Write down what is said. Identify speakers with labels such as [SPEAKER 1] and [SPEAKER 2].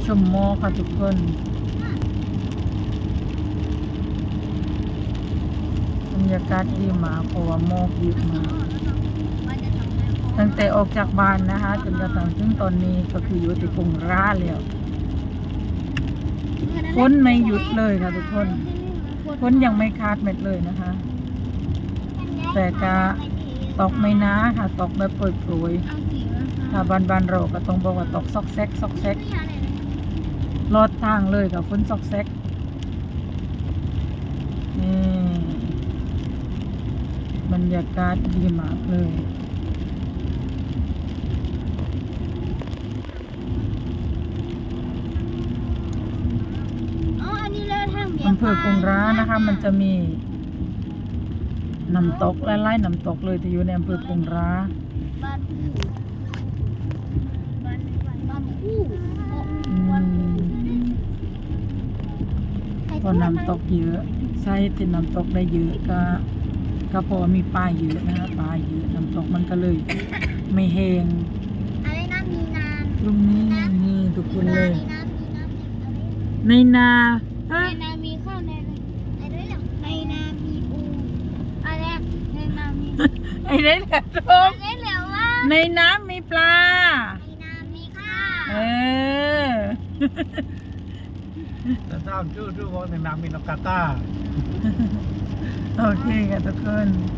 [SPEAKER 1] ชมหมอกค่ะทุกคนบรรยากาศดีมากเพราะว่าหมอกเยอะมากตั้งแต่ออกจากบ้านนะคะจนกระทั่งถึงตอนนี้ก็คืออยู่ที่กรุงราแล้วฝนไม่หยุดเลยค่ะทุกคนฝนยังไม่คาดเม็ดเลยนะคะแต่ก็ตกไม่นาค่ะตกแบบโปรยๆถ้าบ้านเราก็ต้องบอกว่าตกซอกแซกซอกแซกลอดทางเลยกับฝนซอกแซกนี่บรรยากาศดีมากเลยอำเภอกงร้านะคะมันจะมีน้ำตกไล่ๆน้ำตกเลยที่อยู่ในอำเภอกงร้าพอน้ำตกเยอะใช่ที่น้ำตกได้เยอะก็เพราะว่ามีปลาเยอะนะคะปลาเยอะน้ำตกมันก็เลยไม่แห้งตรงนี้นี่ทุกคนเลยในนา
[SPEAKER 2] มีข้าวในนามีปูอะไรในนามี
[SPEAKER 1] ไอ้นี่แหละทุก
[SPEAKER 2] เหลือว่า
[SPEAKER 1] ในน้ำมีปลา
[SPEAKER 2] ในนามีข้าว
[SPEAKER 3] แต่ถ้าชื่อว่าในน้ำมีนกกาตา
[SPEAKER 1] โอเคค่ะทุกคน